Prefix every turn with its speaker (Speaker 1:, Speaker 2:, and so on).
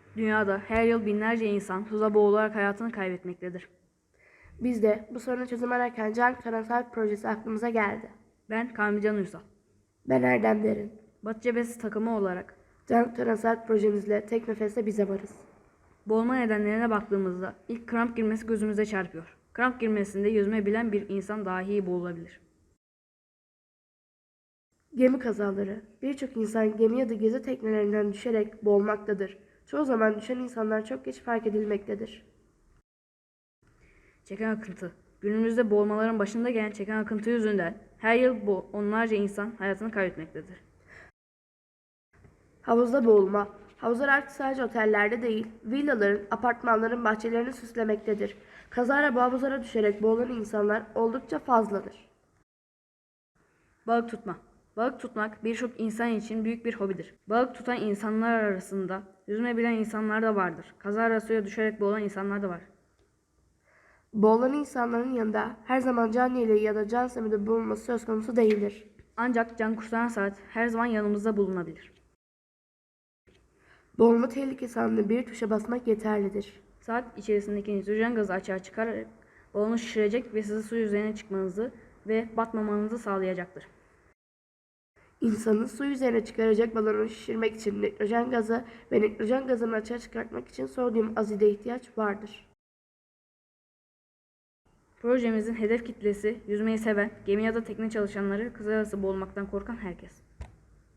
Speaker 1: Dünyada her yıl binlerce insan suda boğularak hayatını kaybetmektedir.
Speaker 2: Biz de bu sorunu çözüm ararken Can Karasal projesi aklımıza geldi.
Speaker 1: Ben Kamilcan Uysal.
Speaker 2: Ben Erdem Derin.
Speaker 1: Batı Cephesi takımı olarak
Speaker 2: Can Karasal projemizle tek nefeste bize varız.
Speaker 1: boğulma nedenlerine baktığımızda ilk kramp girmesi gözümüze çarpıyor. Kramp girmesinde yüzme bilen bir insan dahi boğulabilir.
Speaker 2: Gemi kazaları. Birçok insan gemi ya da gezi teknelerinden düşerek boğulmaktadır. Çoğu zaman düşen insanlar çok geç fark edilmektedir.
Speaker 1: Çeken akıntı. Günümüzde boğulmaların başında gelen çeken akıntı yüzünden her yıl onlarca insan hayatını kaybetmektedir.
Speaker 2: Havuzda boğulma. Havuzlar artık sadece otellerde değil, villaların, apartmanların bahçelerini süslemektedir. Kazara bu havuzlara düşerek boğulan insanlar oldukça fazladır.
Speaker 1: Balık tutma. Balık tutmak birçok insan için büyük bir hobidir. Balık tutan insanlar arasında yüzme bilen insanlar da vardır. Kazara suya düşerek boğulan insanlar da var.
Speaker 2: Boğulan insanların yanında her zaman can yeleği ya da can simidi bulunması söz konusu değildir.
Speaker 1: Ancak can kurtaran saat her zaman yanımızda bulunabilir.
Speaker 2: Boğulma tehlikesi anında bir tuşa basmak yeterlidir.
Speaker 1: Saat içerisindeki nitrojen gazı açığa çıkararak balonu şişirecek ve sizi su yüzeyine çıkmanızı ve batmamanızı sağlayacaktır.
Speaker 2: İnsanı su üzerine çıkaracak balonu şişirmek için nitrojen gazı ve nitrojen gazını açığa çıkartmak için sodyum azide ihtiyaç vardır.
Speaker 1: Projemizin hedef kitlesi yüzmeyi seven, gemi ya da tekne çalışanları, kızarası boğulmaktan korkan herkes.